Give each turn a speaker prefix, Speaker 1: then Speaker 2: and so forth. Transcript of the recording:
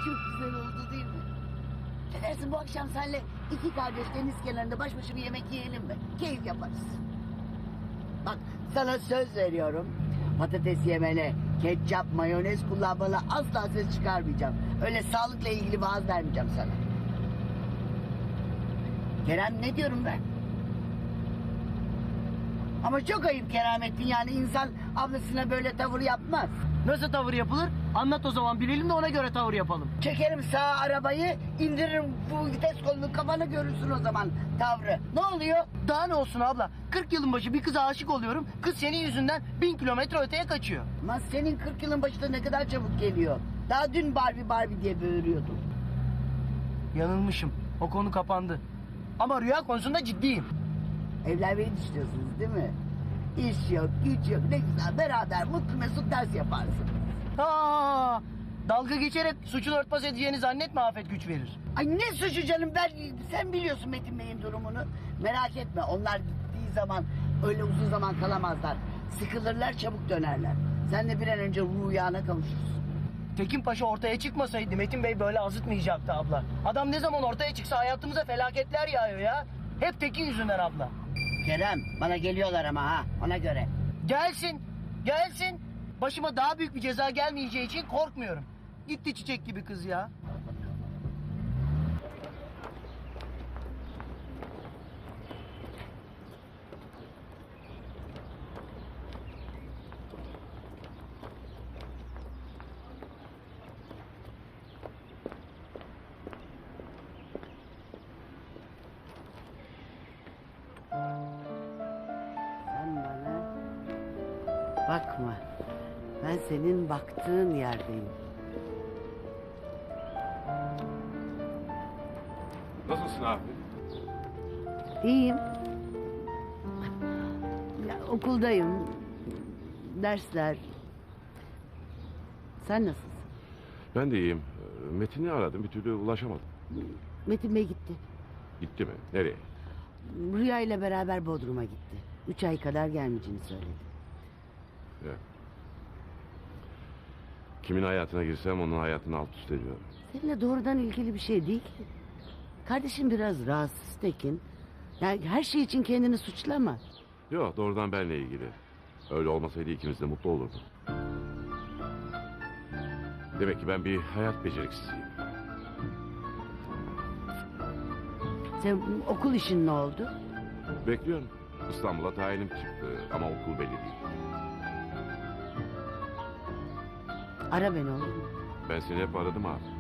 Speaker 1: Çok güzel oldu değil mi? Ne dersin bu akşam senle iki kardeş deniz kenarında baş başa bir yemek yiyelim mi? Keyif yaparız. Bak sana söz veriyorum. Patates yemene, ketçap, mayonez kullanmana asla ses çıkarmayacağım. Öyle sağlıkla ilgili vaaz vermeyeceğim sana. Kerem ne diyorum ben? Ama çok ayıp Keramettin, yani insan ablasına böyle tavır yapmaz.
Speaker 2: Nasıl tavır yapılır? Anlat o zaman, bilelim de ona göre tavır yapalım.
Speaker 1: Çekerim sağa arabayı, indiririm bu vites kolunu, kafana görürsün o zaman tavrı. Ne oluyor?
Speaker 2: Daha ne olsun abla? 40 yılın başı bir kıza aşık oluyorum. Kız senin yüzünden 1000 kilometre öteye kaçıyor.
Speaker 1: Ama senin 40 yılın başında ne kadar çabuk geliyor. Daha dün Barbie Barbie diye böğürüyordun.
Speaker 2: Yanılmışım. O konu kapandı. Ama rüya konusunda ciddiyim.
Speaker 1: Evlenmeyi düşünüyorsunuz değil mi? İş yok, güç yok, ne güzel beraber mutlu mesut ders yaparsın.
Speaker 2: Ha, dalga geçerek suçunu örtbas edeceğini zannetme, afet güç verir.
Speaker 1: Ay ne suçu canım, sen biliyorsun Metin Bey'in durumunu. Merak etme, onlar gittiği zaman öyle uzun zaman kalamazlar. Sıkılırlar, çabuk dönerler. Sen de bir an önce rüyana kavuşursun.
Speaker 2: Tekin Paşa ortaya çıkmasaydı Metin Bey böyle azıtmayacaktı abla. Adam ne zaman ortaya çıksa hayatımıza felaketler yağıyor ya. Hep Tekin yüzünden abla.
Speaker 1: Kerem, bana geliyorlar ama ha, ona göre.
Speaker 2: Gelsin, gelsin. Başıma daha büyük bir ceza gelmeyeceği için korkmuyorum. Gitti çiçek gibi kız ya.
Speaker 1: Sen bana bakma. Ben senin baktığın yerdeyim.
Speaker 3: Nasılsın abi?
Speaker 1: İyiyim. Ya, okuldayım. Dersler. Sen nasılsın?
Speaker 3: Ben de iyiyim. Metin'i aradım, bir türlü ulaşamadım.
Speaker 1: Metin Bey gitti.
Speaker 3: Gitti mi? Nereye?
Speaker 1: Rüya ile beraber Bodrum'a gitti. 3 ay kadar gelmeyeceğini söyledi.
Speaker 3: Ya. Kimin hayatına girsem onun hayatını alt üst ediyorum.
Speaker 1: Seninle doğrudan ilgili bir şey değil ki. Kardeşim biraz rahatsız Tekin. Yani her şey için kendini suçlama.
Speaker 3: Yok, doğrudan benle ilgili. Öyle olmasaydı ikimiz de mutlu olurduk. Demek ki ben bir hayat beceriksiziyim.
Speaker 1: Sen okul işin ne oldu?
Speaker 3: Bekliyorum. İstanbul'a tayinim çıktı ama okul belli değil.
Speaker 1: Ara beni olur mu?
Speaker 3: Ben seni hep aradım abi.